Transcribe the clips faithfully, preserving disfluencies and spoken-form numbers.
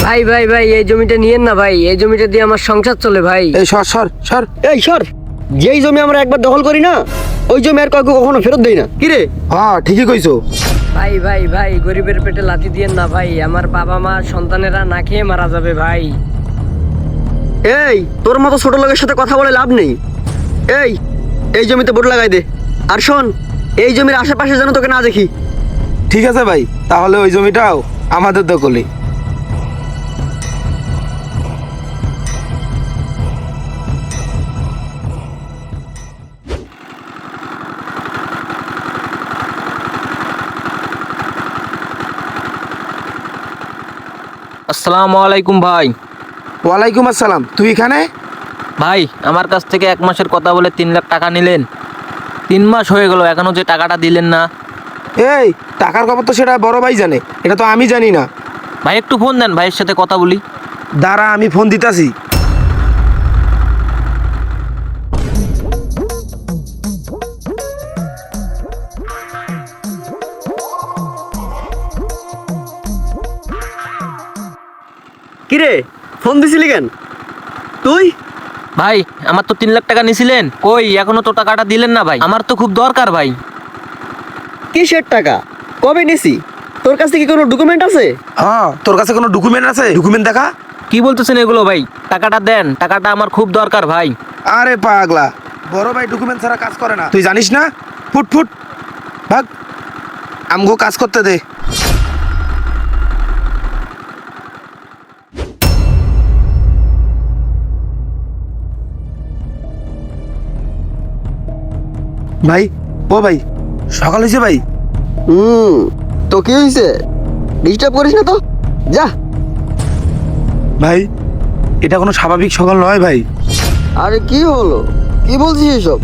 ভাই ভাই ভাই এই জমিটা নিয়েন না ভাই, এই জমিটা দিয়ে আমার সংসার চলে ভাই। এই সর সর সর। এই সর, যেই জমি আমরা একবার দখল করি না ওই জমি আর কাউকে কখনো ফেরত দেই না। কি রে? হ্যাঁ ঠিকই কইছো। ভাই ভাই ভাই গরিবের পেটে লাথি দিয়েন না ভাই, আমার বাবা মা সন্তানেরা না খেয়ে মারা যাবে ভাই। এই তোর মতো ছোট লোকের সাথে কথা বলে লাভ নেই। এই এই জমিতে বোর্ড লাগাই দে। আর শোন, এই জমির আশেপাশে যেন তোকে না দেখি। ঠিক আছে ভাই, তাহলে ওই জমিটাও আমাদের দখলে। আসসালামু আলাইকুম ভাই। ওয়ালাইকুম আসসালাম। তুই এখানে? ভাই আমার কাছ থেকে এক মাসের কথা বলে তিন লাখ টাকা নিলেন, তিন মাস হয়ে গেল এখনো যে টাকাটা দিলেন না। এই টাকার খবর তো সেটা বড় ভাই জানে, এটা তো আমি জানি না। ভাই একটু ফোন দেন, ভাইয়ের সাথে কথা বলি। দাঁড়া আমি ফোন দিতাছি। কি রে, ফোন দিছিলি কেন তুই? ভাই আমার তো তিন লাখ টাকা নিছিলেন, কই এখনো তো টাকাটা দিলেন না ভাই, আমার তো খুব দরকার ভাই। কিসের টাকা? কবে নিছি? তোর কাছে কি কোনো ডকুমেন্ট আছে? হ্যাঁ, তোর কাছে কোনো ডকুমেন্ট আছে? ডকুমেন্ট দেখা। কি বলতেছেন এগুলো ভাই? টাকাটা দেন, টাকাটা আমার খুব দরকার ভাই। আরে পাগলা, বড় ভাই ডকুমেন্ট ছাড়া কাজ করে না, তুই জানিস না? ফুট ফুট ভাগ, আমগো কাজ করতে দে। ভাই, ও ভাই, সকাল হয়েছে ভাই। হুম, তো কি হয়েছে? ডিস্টার্ব করিস না তো, যা। ভাই এটা কোনো স্বাভাবিক সকাল নয় ভাই। আরে কি হলো, কি বলছিস এসব?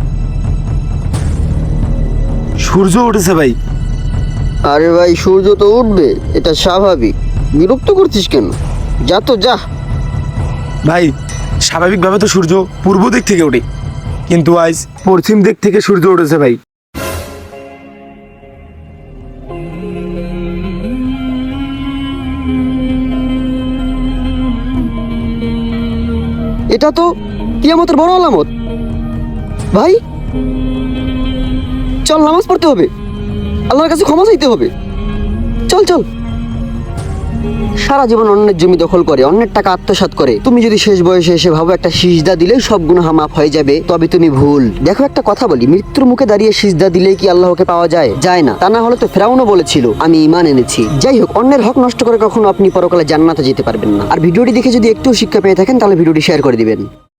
সূর্য উঠেছে ভাই। আরে ভাই, সূর্য তো উঠবে, এটা স্বাভাবিক। বিরক্ত করছিস কেন? যা তো যা। ভাই স্বাভাবিকভাবে তো সূর্য পূর্ব দিক থেকে ওঠে, কিন্তু আজ পশ্চিম দিক থেকে সূর্য উঠেছে ভাই। এটা তো কিয়ামতের বড় আলামত ভাই। চল, নামাজ পড়তে হবে, আল্লাহর কাছে ক্ষমা চাইতে হবে। চল চল। সারা জীবন অন্যের জমি দখল করে, অন্যের টাকা আত্মসাৎ করে, তুমি যদি শেষ বয়সে এসে ভাবো একটা সিজদা দিলেই সব গুনাহ মাফ হয়ে যাবে, তবে তুমি ভুল। দেখো একটা কথা বলি, মৃত্যুর মুখে দাঁড়িয়ে সিজদা দিলেই কি আল্লাহকে পাওয়া যায়? যায় না। তা না হলে তো ফেরাউনও বলেছিল আমি ঈমান এনেছি। যাই হোক, অন্যের হক নষ্ট করে কখনো আপনি পরকালে জান্নাতে যেতে পারবেন না। আর ভিডিওটি দেখে যদি একটু শিক্ষা পেয়ে থাকেন তাহলে ভিডিওটি শেয়ার করে দিবেন।